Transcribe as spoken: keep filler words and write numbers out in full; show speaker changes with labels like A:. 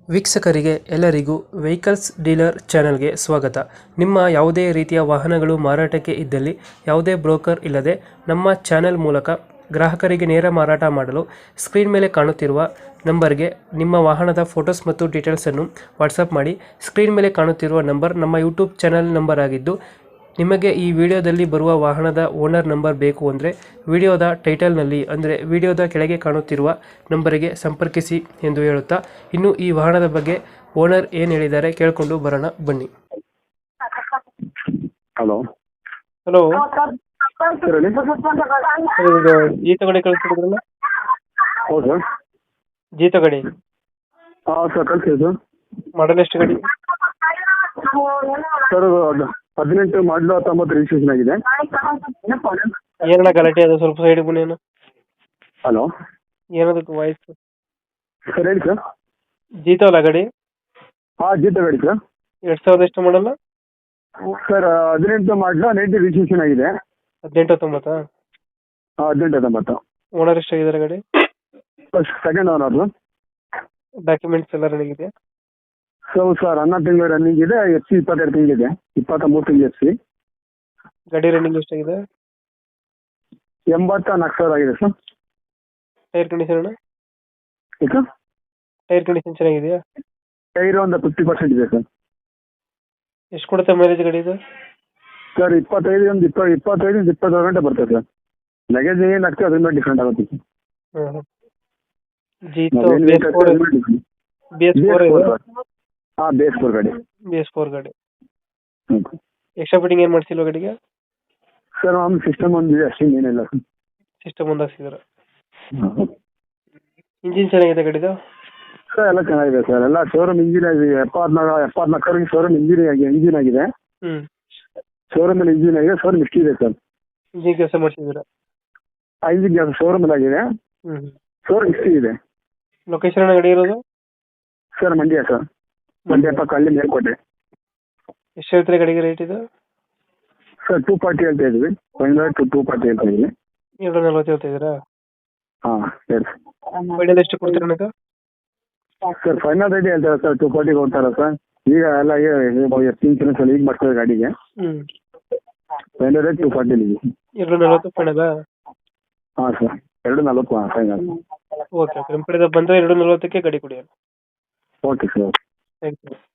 A: ವೀಕ್ಷಕರಿಗೆ ಎಲ್ಲರಿಗೂ vehicles dealer ಚಾನೆಲ್ಗೆ ಸ್ವಾಗತ. ನಿಮ್ಮ ಯಾವುದೇ ರೀತಿಯ ವಾಹನಗಳು ಮಾರಾಟಕ್ಕೆ ಇದ್ದಲ್ಲಿ ಯಾವುದೇ ಬ್ರೋಕರ್ ಇಲ್ಲದೆ ನಮ್ಮ ಚಾನೆಲ್ ಮೂಲಕ ಗ್ರಾಹಕರಿಗೆ ನೇರ ಮಾರಾಟ ಮಾಡಲು ಸ್ಕ್ರೀನ್ ಮೇಲೆ ಕಾಣುತ್ತಿರುವ ನಂಬರ್ಗೆ ನಿಮ್ಮ ವಾಹನದ ಫೋಟೋಸ್ ಮತ್ತು ಡೀಟೇಲ್ಸನ್ನು ವಾಟ್ಸಪ್ ಮಾಡಿ. ಸ್ಕ್ರೀನ್ ಮೇಲೆ ಕಾಣುತ್ತಿರುವ ನಂಬರ್ ನಮ್ಮ ಯೂಟ್ಯೂಬ್ ಚಾನೆಲ್ ನಂಬರ್ ಆಗಿದ್ದು, ನಿಮಗೆ ಈ ವಿಡಿಯೋದಲ್ಲಿ ಬರುವ ವಾಹನದ ಓನರ್ ನಂಬರ್ ಬೇಕು ಅಂದರೆ ವಿಡಿಯೋದ ಟೈಟಲ್ನಲ್ಲಿ ಅಂದರೆ ವಿಡಿಯೋದ ಕೆಳಗೆ ಕಾಣುತ್ತಿರುವ ನಂಬರಿಗೆ ಸಂಪರ್ಕಿಸಿ ಎಂದು ಹೇಳುತ್ತಾ, ಇನ್ನು ಈ ವಾಹನದ ಬಗ್ಗೆ ಓನರ್ ಏನು ಹೇಳಿದ್ದಾರೆ ಕೇಳಿಕೊಂಡು ಬರೋಣ ಬನ್ನಿ.
B: ಹಲೋ
A: ಹಲೋ,
B: ಹೇಳಿ.
A: ಜೀತ ಗಾಡಿ ಕಳಿಸ್ತಿದ್ರಲ್ಲ?
B: ಹೌದು ಸರ್.
A: ಜೀತ ಗಾಡಿ
B: ಹಾಂ ಸರ್, ಕಳಿಸಿ ಸರ್.
A: ಮಾಡಲ್ ಎಷ್ಟು ಗಾಡಿ?
B: ಸರ್ ಅದು ಹದಿನೆಂಟು ಮಾಡಲು ಹತ್ತೊಂಬತ್ತು ರಿಜಿಸ್ಟ್ರೇಷನ್ ಆಗಿದೆ.
A: ಏನಣ್ಣ ಗಲಾಟೆ ಅದು? ಸ್ವಲ್ಪ ಸೈಡ್ ಬನ್ನಿ. ಏನು
B: ಹಲೋ,
A: ಏನದಕ್ಕೆ ವಾಯ್ಸ್?
B: ಸರ್ ಹೇಳಿ ಸರ್.
A: ಜೀತ ಅಲ್ಲ ಗಾಡಿ?
B: ಹಾಂ, ಜೀತ ಗಾಡಿ ಸರ್.
A: ಎರಡು ಸಾವಿರದ ಎಷ್ಟು ಮಾಡಲ್ಲ?
B: ಸರ್ ಹದಿನೆಂಟು ಮಾಡಲು ನೈಂಟಿ ರಿಜಿಸ್ಟ್ರೇಷನ್ ಆಗಿದೆ.
A: ಹದಿನೆಂಟು ಹತ್ತೊಂಬತ್ತಾ?
B: ಹಾಂ, ಹದಿನೆಂಟು ಹತ್ತೊಂಬತ್ತು.
A: ಓನರ್ ಎಷ್ಟಾಗಿದ್ದಾರೆ ಗಾಡಿ?
B: Second owner.
A: ಡಾಕ್ಯುಮೆಂಟ್ಸ್ ಎಲ್ಲ ರನ್ನಿಂಗ್ ಇದೆ?
B: ಸೊ ಸರ್ ಹನ್ನೊಂದು ತಿಂಗಳು ರನ್ನಿಂಗ್ ಇದೆ. ಎಫ್ ಸಿ ಇಪ್ಪತ್ತೆರಡು ತಿಂಗಳಿದೆ. ಇಪ್ಪತ್ತ ಮೂರು ತಿಂಗಳು ಎಫ್ ಸಿ.
A: ಗಾಡಿ ರನ್ನಿಂಗ್ ಎಷ್ಟಾಗಿದೆ?
B: ಎಂಬತ್ತ ನಾಲ್ಕು ಸಾವಿರ ಆಗಿದೆ ಸರ್.
A: ಟೈರ್ ಕಂಡೀಷನ್ ಅಣ್ಣ?
B: ಈಗ
A: ಟೈರ್ ಕಂಡೀಷನ್ ಚೆನ್ನಾಗಿದೆಯಾ?
B: ಟೈರ್ ಒಂದು ಫಿಫ್ಟಿ ಪರ್ಸೆಂಟ್ ಇದೆ ಸರ್.
A: ಎಷ್ಟು ಕೊಡುತ್ತೆ ಮೈಲೇಜ್ ಗಾಡಿ ಇದು?
B: ಸರ್ ಇಪ್ಪತ್ತೈದು ಒಂದು ಇಪ್ಪ ಇಪ್ಪತ್ತೈದು ಇಪ್ಪತ್ತಾರು ಗಂಟೆ ಬರ್ತದೆ ಸರ್. ಲಗೇಜ್ ಏನು ಆಗ್ತದೆ ಅದ್ರ ಮೇಲೆ ಡಿಫ್ರೆಂಟ್ ಆಗುತ್ತೆ ಸರ್.
A: ಹಾಂ, Jeeto B S four B S four
B: ಹಾಂ, ಬಿ ಎಸ್ ಫೋರ್ ಗಾಡಿ.
A: ಬಿ ಎಸ್ ಫೋರ್ ಗಾಡಿ.
B: ಹ್ಞೂ
A: ಎಕ್ಸ್ಟ್ರಾ ಫಿಟ್ಟಿಂಗ್ ಏನು ಮಾಡ್ಸಿಲ್ವ ಗಾಡಿಗೆ?
B: ಸರ್ ಒಂದು ಸಿಸ್ಟಮ್ ಒಂದು ಇದೆ ಅಷ್ಟೇ, ಏನಿಲ್ಲ ಸರ್.
A: ಸಿಸ್ಟಮ್ ಒಂದು ಹಾಕ್ಸಿದಾರೆ. ಇಂಜಿನ್ ಚೆನ್ನಾಗಿದೆ ಗಾಡಿದು?
B: ಸರ್ ಎಲ್ಲ ಚೆನ್ನಾಗಿದೆ ಸರ್. ಎಲ್ಲ ಶೋರೂಮ್ ಇಂಜಿನ್ ಆಗಿದೆ. ಎಪ್ಪತ್ನಾಲ್ಕು ಎಪ್ಪತ್ನಾಲ್ಕರಿಗೆ ಶೋರೂಮ್ ಇಂಜಿನ್ ಆಗಿ ಇಂಜಿನ್ ಆಗಿದೆ.
A: ಹ್ಞೂ,
B: ಶೋರೂಮಲ್ಲಿ ಇಂಜಿನ್ ಆಗಿದೆ. ಶೋರೂಮ್ ಇಷ್ಟು ಇದೆ ಸರ್.
A: ಇಂಜಿನ್ ಕೆಲಸ ಮಾಡಿಸಿದ್ದೀರಾ?
B: ಆ ಇಂಜಿನ್ ಕೆಲಸ ಶೋರೂಮಲ್ಲಿ ಆಗಿದೆ.
A: ಹ್ಞೂ,
B: ಶೋರೂಮ್ ಇಷ್ಟು ಇದೆ.
A: ಲೊಕೇಶನ್ ಅಣ್ಣ ಗಾಡಿ ಇರೋದು?
B: Sir Mandya sir. ಮಂಡ್ಯ ಪಕ್ಕ ಹಳ್ಳಿ ಮೇಲ್ಕೋಟೆ.
A: ಎಷ್ಟು ಹೇಳ್ತೀರಾ ಗಾಡಿಗೆ ರೇಟ್ ಇದು?
B: ಸರ್ ಟೂ ಪಾರ್ಟಿ ಹೇಳ್ತಾ ಇದ್ವಿ. ಫೈನಲ್ ಟು ಟೂ ಪಾರ್ಟಿ ಹೇಳ್ತಾ ಇದ್ವಿ.
A: ಎರಡು ನಲ್ವತ್ತು ಹೇಳ್ತಾ ಇದ್ದೀರಾ?
B: ಹಾಂ ಹೇಳಿ
A: ಫೈನಲ್ ಎಷ್ಟು ಕೊಡ್ತೀರಾ ನನಗೆ?
B: ಸರ್ ಫೈನಲ್ ರೇಟ್ ಹೇಳ್ತಾರೆ ಸರ್. ಟೂ ಪಾರ್ಟಿ ಕೊಡ್ತಾರಾ ಸರ್? ಈಗ ಎಲ್ಲ ಎಷ್ಟು ಇನ್ಸೂರೆನ್ಸ್ ಎಲ್ಲ ಈಗ ಮಾಡ್ತಾರೆ ಗಾಡಿಗೆ.
A: ಹ್ಞೂ,
B: ಫೈನಲ್ ರೇಟ್ ಟೂ ಫಾರ್ಟಿ.
A: ಎರಡು ನಲ್ವತ್ತು ಫೈನಲ್?
B: ಹಾಂ ಸರ್, ಎರಡು ನಲ್ವತ್ತು ಫೈನಲ್.
A: ಓಕೆ ಓಕೆ, ನಮ್ಮ ಕಡೆ ಬಂದರೆ ಎರಡು ನಲ್ವತ್ತಕ್ಕೆ ಗಾಡಿ ಕೊಡಿ.
B: Okay sir.
A: Thank you.